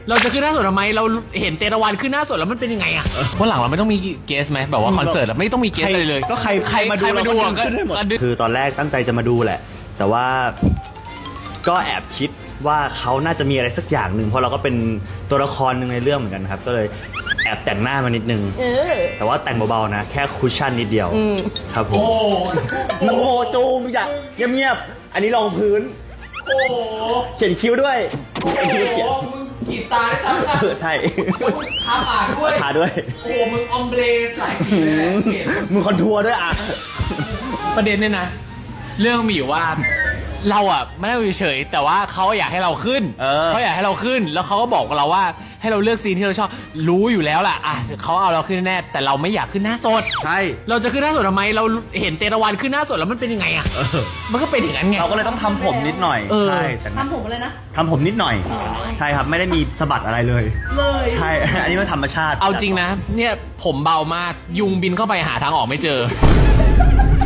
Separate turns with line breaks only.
เราจะขึ้นหน้าสดทำไมเราเห็นเตตะวันขึ้นหน้าสดแล้วมันเป็นยังไงอะวันหลังเราไม่ต้องมีเกสไหมแบบว่าคอนเสิร์ตเราไม่ต้องมีเกสอะไรเลย
ก็ใครมาดูเราก็ขึ้นได้หมดคือตอนแรกตั้งใจจะมาดูแหละ แต่ว่าก็แอบคิดว่าเขาน่าจะมีอะไรสักอย่างหนึ่งเพราะเราก็เป็นตัวละครหนึ่งในเรื่องเหมือนกันครับ ก็เลยแอบแต่งหน้ามานิดนึงแต่ว่าแต่งเบาๆนะแค่คุชชั่นนิดเดียวครับผมโอ้โหจูงอยากเงียบๆอันนี้รองพื้น
โอ้โห
เขียนคิ้วด้วยไอ้ที่เขียน
มึงกีดตาได้ซ้ำกัน
ใช่
ทาปากด้วย
ทาด้วย
โอ้มึงออมเบรสหลายสีเลยนะเห็น
มึงคอนทัวร์ด้วยอ่ะ
ประเด็นเนี่ยนะ เรื่องมีอยู่ว่าเราอ่ะไม่ได้อยู่เฉยแต่ว่าเขาอยากให้เราขึ้นเขาอยากให้เราขึ้น แล้วเขาก็บอกกับเราว่าให้เราเลือกซีนที่เราชอบรู้อยู่แล้วล่ะอ่ะเขาเอาเราขึ้นแน่แต่เราไม่อยากขึ้นหน้าสด
ใช่
เราจะขึ้นหน้าสดทำไมเราเห็นเตตะวันขึ้นหน้าสดแล้วมันเป็นยังไงอ่ะมันก็เป็นอย่างนั้นไง
เราก็เลยต้องทำผมนิดหน่อยใช่แต่
ทำผมอะไรนะ
ทำผมนิดหน่อย ใช่ครับไม่ได้มีสะบัดอะไรเลย ใช่ อันนี้มันธรรมชาติ
เอาจริงนะเนี่ยผมเบามากยุงบินเข้าไปหาทางออกไม่เจอ